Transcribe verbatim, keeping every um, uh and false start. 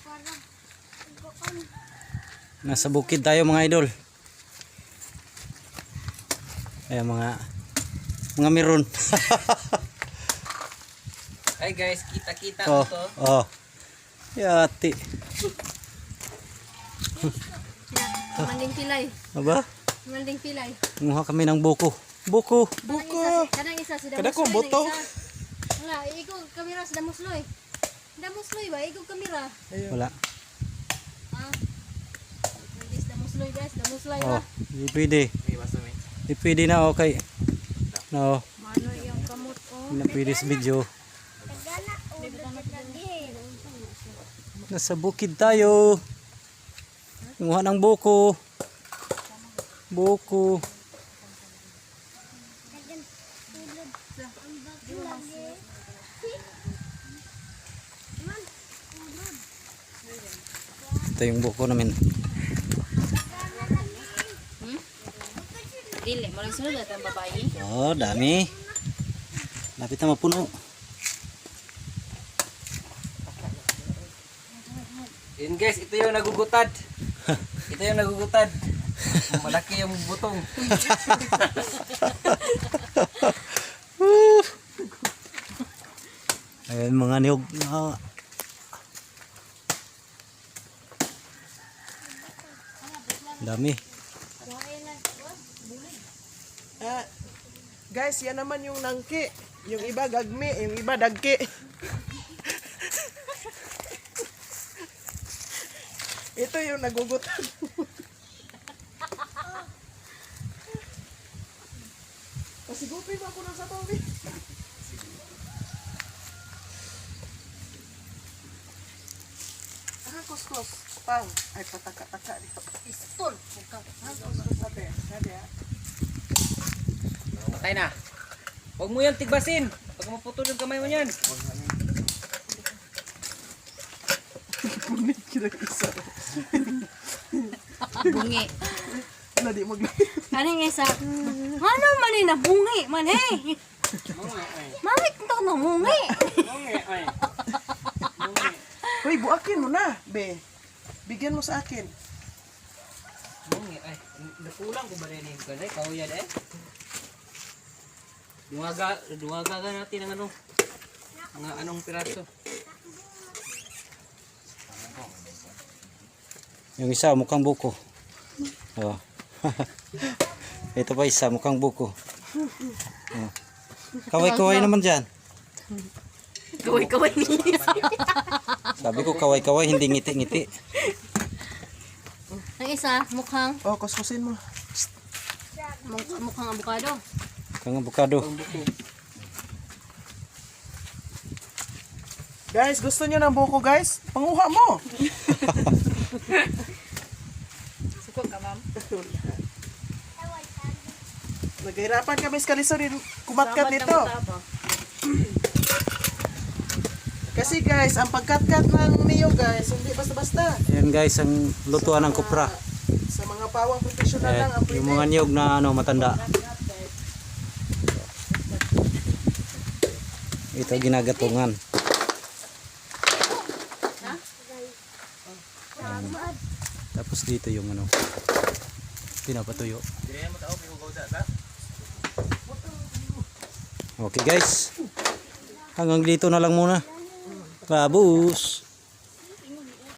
Nasa bukid tayo mga idol. Ayan mga mga meron. Ay guys, kita-kita Oh, to. oh. Yati. Manding pilay. Aba? Manding pilay. Kumuha kami ng buko. Buko. Buko. Kanang isa si Kada Damusloy. kong buto. Wala, ikaw kamera sa Damusloy. Damusloy ba? Ikaw kamera. Wala. Ah. Hindi sa Damusloy guys. Damusloy Oh, ba? di pwede. May basta may. Di pwede na okay. No, Mano yung kamot oh. hindi na pwede sa video. Nasa bukid tayo. Kumuha ng buko. Buko. Ito yung buko namin. Hmm? Dili, malang sunod at ang babae. Oh, dami. Lapit na mapuno. Yun guys, ito yung nagugutad. Ito yung nagugutad. Malaki yung butong. Ayan mga niyog na. Dami. Ah, guys, yan naman yung nangki. Yung iba gagmi, yung iba dagki. Ito yung nagugutan. Pasigupin mo ako ng sabaw, eh. Ah, kuskus. Pang. Ay, pataka-taka dito. Pistol. Kuskus natin. Sabi, ah. Patay na. Huwag mo yan tigbasin. Pag maputol yung kamay mo yan. Punit kila isa. Bungi. Wala, di mag- Kaning isa. Ano man ni na bungi man eh. Mamit to na bungi. Uy, buakin mo na, be. Bigyan mo sa akin. Bungi, ay. Nakulang ko ba rin yung kanay? Kauyan eh. Dungaga, dungaga ka natin ng ano. Mga anong piraso. Yung isa mukhang buko. Oh. Ito pa isa mukhang buko. Oh. Kaway-kaway naman dyan. Kaway-kaway niya. Sabi ko kaway-kaway, hindi ngiti-ngiti. Ang isa, mukhang Oh, kuskusin mo. muk- mukhang avocado. Kang abukado. Guys, gusto niyo ng buko, guys? Panguha mo. Suko ka, ma'am. Naghihirapan kami sa kaliso din kumatkat nito. Kasi guys, ang pagkatkat ng niyo guys, hindi basta-basta. Yan guys, ang lutuan ng kupra. Sa mga pawang professional lang Ayan, ang pwede. yung mga niyog na ano, matanda. Ito ginagatungan. Ayan. Tapos dito yung ano, pinapatuyo. Okay guys, hanggang dito na lang muna. Babus!